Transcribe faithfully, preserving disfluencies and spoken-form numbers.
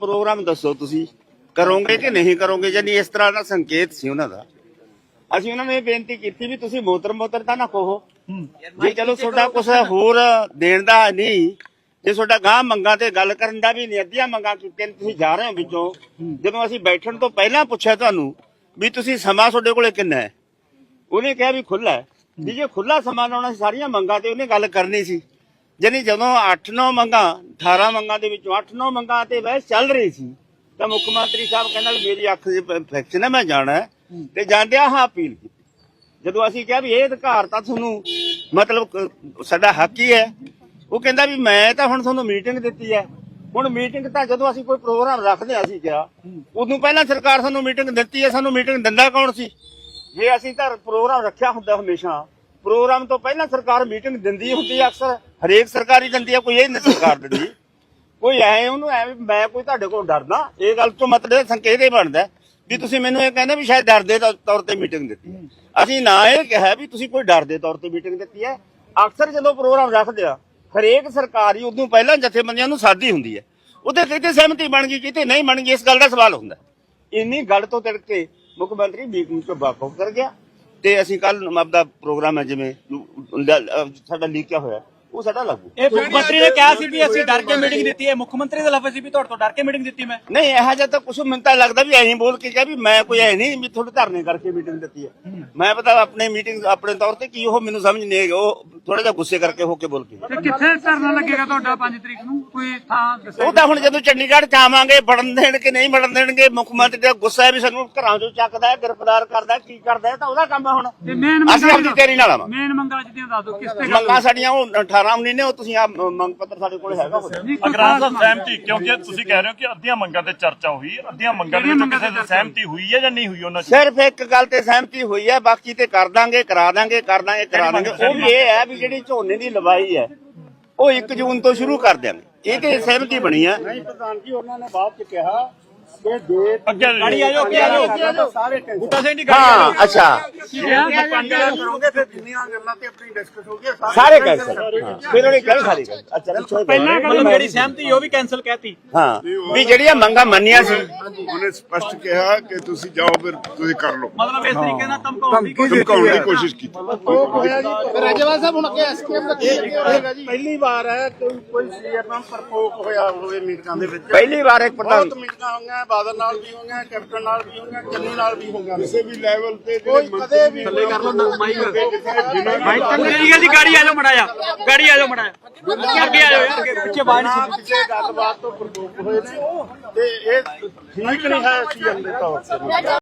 Programme दसो तुसी करोगे कि नहीं करोगे, यानी इस तरह का संकेत सी उन्हां दा। ਅਸੀਂ ਉਹਨਾਂ ਨੂੰ ਇਹ ਬੇਨਤੀ ਕੀਤੀ ਵੀ ਤੁਸੀਂ ਮੋਤਰ ਮੋਤਰ ਤਾਂ ਨਾ ਕਹੋ ਜੀ, ਚਲੋ ਤੁਹਾਡਾ ਕੁਛ ਹੋਰ ਦੇਣ ਦਾ ਨਹੀਂ, ਜੇ ਤੁਹਾਡਾ ਗਾਂ ਮੰਗਾਂ ਤੇ ਗੱਲ ਕਰਨ ਦਾ ਵੀ ਨਹੀਂ, ਅੱਧੀਆਂ ਮੰਗਾਂ ਕੀਤੀਆਂ ਤੁਸੀਂ ਜਾ ਰਹੇ ਹੋ ਵਿੱਚੋਂ। ਜਦੋਂ ਅਸੀਂ ਬੈਠਣ ਤੋਂ ਪਹਿਲਾਂ ਪੁੱਛਿਆ ਤੁਹਾਨੂੰ ਵੀ ਤੁਸੀਂ ਸਮਾਂ ਤੁਹਾਡੇ ਕੋਲੇ ਕਿੰਨਾ ਹੈ, ਉਹਨੇ ਕਿਹਾ ਵੀ ਖੁੱਲਾ ਹੈ ਜੀ। ਜੇ ਖੁੱਲਾ ਸਮਾਂ ਲਾਉਣਾ ਸੀ ਸਾਰੀਆਂ ਮੰਗਾਂ ਤੇ ਉਹਨੇ ਗੱਲ ਕਰਨੀ ਸੀ। ਜਾਨੀ ਜਦੋਂ ਅੱਠ ਨੌ ਮੰਗਾਂ ਅਠਾਰਾਂ ਮੰਗਾਂ ਦੇ ਵਿੱਚੋਂ ਅੱਠ ਨੌ ਮੰਗਾਂ ਤੇ ਬਹਿਸ ਚੱਲ ਰਹੀ ਸੀ ਤਾਂ ਮੁੱਖ ਮੰਤਰੀ ਸਾਹਿਬ ਕਹਿੰਦਾ ਮੇਰੀ ਅੱਖ ਦੀ ਇਨਫੈਕਸ਼ਨ ਹੈ, ਮੈਂ ਜਾਣਾ ਹੈ ਤੇ ਜਾਂਦਿਆਂ ਹਾਂ ਅਪੀਲ ਕੀਤੀ। ਜਦੋਂ ਅਸੀਂ ਕਿਹਾ ਵੀ ਇਹ ਅਧਿਕਾਰ ਤਾਂ ਤੁਹਾਨੂੰ ਮਤਲਬ ਸਾਡਾ ਹੱਕ ਹੀ ਹੈ, ਉਹ ਕਹਿੰਦਾ ਵੀ ਮੈਂ ਤਾਂ ਹੁਣ ਤੁਹਾਨੂੰ ਮੀਟਿੰਗ ਦਿੱਤੀ ਹੈ। ਹੁਣ ਮੀਟਿੰਗ ਤਾਂ ਜਦੋਂ ਅਸੀਂ ਕੋਈ ਪ੍ਰੋਗਰਾਮ ਰੱਖਦੇ ਹਾਂ ਅਸੀਂ ਕਿਹਾ ਉਦੋਂ ਪਹਿਲਾਂ ਸਰਕਾਰ ਸਾਨੂੰ ਮੀਟਿੰਗ ਦਿੱਤੀ ਹੈ, ਸਾਨੂੰ ਮੀਟਿੰਗ ਦਿੰਦਾ ਕੌਣ ਸੀ? ਜੇ ਅਸੀਂ ਤਾਂ ਪ੍ਰੋਗਰਾਮ ਰੱਖਿਆ ਹੁੰਦਾ ਹਮੇਸ਼ਾ ਪ੍ਰੋਗਰਾਮ ਤੋਂ ਪਹਿਲਾਂ ਸਰਕਾਰ ਮੀਟਿੰਗ ਦਿੰਦੀ ਹੁੰਦੀ ਹੈ, ਅਕਸਰ ਹਰੇਕ ਸਰਕਾਰੀ ਦਿੰਦੀ ਹੈ, ਕੋਈ ਇਹ ਨਹੀਂ ਸਰਕਾਰ ਦਿੰਦੀ। ਕੋਈ ਐ ਉਹਨੂੰ ਐਵੇਂ ਮੈਂ ਕੋਈ ਤੁਹਾਡੇ ਕੋਲ ਡਰਦਾ, ਇਹ ਗੱਲ ਤੋਂ ਮਤਲਬ ਸੰਕੇਤ ਇਹ ਬਣਦਾ ਵੀ ਤੁਸੀਂ ਮੈਨੂੰ ਇਹ ਕਹਿੰਦੇ ਵੀ ਸ਼ਾਇਦ ਡਰ ਦੇ ਤੌਰ ਤੇ ਮੀਟਿੰਗ ਦਿੱਤੀ। ਅਸੀਂ ਨਾ ਇਹ ਕਿਹਾ ਵੀ ਤੁਸੀਂ ਕੋਈ ਡਰ ਦੇ ਤੌਰ ਤੇ ਮੀਟਿੰਗ ਦਿੱਤੀ ਹੈ। ਅਕਸਰ ਜਦੋਂ ਪ੍ਰੋਗਰਾਮ ਰੱਖਦੇ ਆ ਹਰੇਕ ਸਰਕਾਰੀ ਉਦੋਂ ਪਹਿਲਾਂ ਜਥੇਬੰਦੀਆਂ ਨੂੰ ਸਾਦੀ ਹੁੰਦੀ ਹੈ, ਉਹਦੇ ਕਿਤੇ ਸਹਿਮਤੀ ਬਣ ਗਈ ਕਿਤੇ ਨਹੀਂ ਬਣ ਗਈ, ਇਸ ਗੱਲ ਦਾ ਸਵਾਲ ਹੁੰਦਾ। ਇੰਨੀ ਗੱਲ ਤੋਂ ਤਿੜਕ ਕੇ ਮੁੱਖ ਮੰਤਰੀ ਮੀਟਿੰਗ ਤੋਂ ਵਾਕਫ ਕਰ ਗਿਆ ਤੇ ਅਸੀਂ ਕੱਲ ਆਪਦਾ ਪ੍ਰੋਗਰਾਮ ਹੈ ਜਿਵੇਂ ਸਾਡਾ ਲੀਕਿਆ ਹੋਇਆ ਉਹ ਸਾਡਾ ਲਾਗੂ। ਇਹ ਮੁੱਖ ਮੰਤਰੀ ਨੇ ਕਿਹਾ ਸੀ ਵੀ ਅਸੀਂ ਡਰ ਕੇ ਮੀਟਿੰਗ ਦਿੱਤੀ ਹੈ, ਮੁੱਖ ਮੰਤਰੀ ਦਾ ਲਫ਼ਜ਼ ਸੀ ਵੀ ਤੁਹਾਡੇ ਤੋਂ ਡਰ ਕੇ ਮੀਟਿੰਗ ਦਿੱਤੀ ਮੈਂ। ਨਹੀਂ ਇਹੋ ਜਿਹਾ ਤਾਂ ਕੁਛ ਮੈਨੂੰ ਤਾਂ ਲੱਗਦਾ ਵੀ ਐਂ ਬੋਲ ਕੇ ਕਿਹਾ ਵੀ ਮੈਂ ਕੋਈ ਐ ਨਹੀਂ ਵੀ ਤੁਹਾਡੇ ਧਰਨੇ ਕਰਕੇ ਮੀਟਿੰਗ ਦਿੱਤੀ ਹੈ। ਮੈਂ ਪਤਾ ਆਪਣੇ ਮੀਟਿੰਗ ਆਪਣੇ ਤੌਰ ਤੇ ਕੀ ਉਹ ਮੈਨੂੰ ਸਮਝ ਨਹੀਂ ਆਈ, ਉਹ ਥੋੜਾ ਜਿਹਾ ਗੁੱਸੇ ਕਰਕੇ ਹੋ ਕੇ ਬੋਲ ਕੇ। ਤੇ ਕਿੱਥੇ ਧਰਨਾ ਲੱਗੇਗਾ ਤੁਹਾਡਾ ਪੰਜ ਤਰੀਕ ਨੂੰ, ਕੋਈ ਥਾਂ ਦੱਸੋ? ਉਹ ਤਾਂ ਹੁਣ ਜਦੋਂ ਚੰਡੀਗੜ੍ਹ ਚ ਆਵਾਂਗੇ ਵੜਨ ਦੇਣ ਕਿ ਨਹੀਂ ਵੜਨ ਦੇਣਗੇ, ਮੁੱਖ ਮੰਤਰੀ ਦਾ ਗੁੱਸਾ ਹੈ ਵੀ ਸਾਨੂੰ ਘਰਾਂ ਚੋਂ ਚੱਕਦਾ ਹੈ, ਗ੍ਰਿਫਤਾਰ ਕਰਦਾ, ਕੀ ਕਰਦਾ ਹੈ, ਤਾਂ ਉਹਦਾ ਕੰਮ ਹੈ ਹੁਣ। ਅਸੀਂ ਆਪਣੀ ਤੇਰੀ ਨਾਲ ਆਵਾਂਗੇ। ਮੇਨ ਮੰਗਾਂ ਜਿਹੜੀਆਂ ਦੱਸ ਦਿਓ ਕਿਸ ਤੇ ਮੰਗਾਂ ਸਾਡੀਆਂ ਉਹ ਅਠਾਰਾਂ ਉੱਨੀ ਨੇ, ਉਹ ਤੁਸੀਂ ਆ ਮੰਗ ਪੱਤਰ ਸਾਡੇ ਕੋਲ ਹੈਗਾ। ਅਗਰਾਹ ਸਾਹਿਬ ਸਹਿਮਤੀ, ਕਿਉਂਕਿ ਤੁਸੀਂ ਕਹਿ ਰਹੇ ਹੋ ਕਿ ਅੱਧੀਆਂ ਮੰਗਾਂ ਤੇ ਚਰਚਾ ਹੋਈ, ਅੱਧੀਆਂ ਮੰਗਾਂ ਦੇ ਵਿੱਚੋਂ ਕਿਸੇ ਦੀ ਸਹਿਮਤੀ ਹੋਈ ਹੈ ਜਾਂ ਨਹੀਂ ਹੋਈ ਉਹਨਾਂ ਚ? ਸਿਰਫ ਇੱਕ ਗੱਲ ਤੇ ਸਹਿਮਤੀ ਹੋਈ ਹੈ, ਬਾਕੀ ਤੇ ਕਰ ਦਾਂਗੇ ਕਰਾ ਦਾਂਗੇ ਕਰ ਦਾਂਗੇ ਕਰਾ ਦਾਂਗੇ। ਉਹ ਵੀ ਇਹ ਹੈ ਵੀ ਜਿਹੜੀ ਝੋਨੇ ਦੀ ਲਵਾਈ ਹੈ ਉਹ ਇੱਕ ਜੂਨ ਤੋਂ ਸ਼ੁਰੂ ਕਰ ਦਿਆਂਗੇ, ਇਹ ਤੇ ਸਹਿਮਤੀ ਬਣੀ ਹੈ। ਨਹੀਂ ਪ੍ਰਧਾਨ ਜੀ, ਉਹਨਾਂ ਨੇ ਬਾਅਦ ਚ ਕਿਹਾ ਕਿ ਦੇ ਅੱਗੇ ਗਾੜੀ ਆਜੋ ਅੱਗੇ ਆਜੋ ਸਾਰੇ ਬੂਟਾ ਸਿੰਘ ਦੀ ਹਾਂ ਅੱਛਾ ਕਰੋਗੇ ਫਿਰ ਜਿੰਨੀਆਂ ਗੱਲਾਂ ਤੇ ਆਪਣੀ ਡਿਸਕਸ ਹੋ ਗਈ ਸਾਰੇ ਕੈਂਸਲ, ਫਿਰ ਉਹਨੇ ਗੱਲ ਖਾਲੀ ਕਰ ਅੱਛਾ ਪਹਿਲਾਂ ਮਤਲਬ ਜਿਹੜੀ ਸਹਿਮਤੀ ਉਹ ਵੀ ਕੈਨਸਲ ਕਹਿਤੀ। ਹਾਂ ਵੀ ਜਿਹੜੀਆਂ ਮੰਗਾਂ ਮੰਨੀਆਂ ਸੀ ਉਹਨੇ ਸਪਸ਼ਟ ਕਿਹਾ ਕਿ ਤੁਸੀਂ ਜਾਓ ਫਿਰ ਤੁਸੀਂ ਕਰ ਲਓ, ਮਤਲਬ ਇਸ ਤਰੀਕੇ ਨਾਲ ਧਮਕਾਉਣ ਦੀ ਧਮਕਾਉਣ ਦੀ ਕੋਸ਼ਿਸ਼ ਕੀਤੀ। ਰਾਜੇਵਾਲ ਸਾਹਿਬ ਹੁਣ ਅੱਗੇ ਐਸਕੇਐਮ ਦਾ ਕੀ ਹੋਏਗਾ ਜੀ? ਪਹਿਲੀ ਵਾਰ ਹੈ ਕੋਈ ਕੋਈ ਸੀਐਮ ਨਾਲ ਪ੍ਰਕੋਪ ਹੋਇਆ ਹੋਵੇ ਮੀਟਿੰਗਾਂ ਦੇ ਵਿੱਚ। ਪਹਿਲੀ ਵਾਰ ਇੱਕ ਪ੍ਰਧਾਨ ਬਹੁਤ ਮੀਟਿੰਗਾਂ ਹੋਈਆਂ, ਬਾਦਲ ਨਾਲ ਵੀ ਹੋਈਆਂ, ਕੈਪਟਨ ਨਾਲ ਵੀ ਹੋਈਆਂ, ਚੰਨੀ ਨਾਲ ਵੀ ਹੋਈਆਂ। ਕਿਸੇ ਵੀ ਲੈਵਲ ਤੇ ਕੋਈ ਕਦੇ ਵੀ ਥੱਲੇ ਕਰ ਲਓ ਮਾਈਕ ਠੀਕ ਹੈ ਜੀ। ਗਾੜੀ ਆਜੋ ਮੜਾਇਆ ਗਾੜੀ ਆਜੋ ਮੜਾਇਆ ਅੱਗੇ ਆਜੋ ਯਾਰ ਅੱਗੇ ਪਿੱਛੇ ਬਾਹਰ ਨਹੀਂ ਕਿਸੇ ਗੱਲਬਾਤ ਤੋਂ ਪ੍ਰਕੋਪ ਹੋਏ ਨੇ ਤੇ ਇਹ ਠੀਕ ਨਹੀਂ ਹੈ ਸੀਐਮ ਦੇ ਤੌਰ ਤੇ।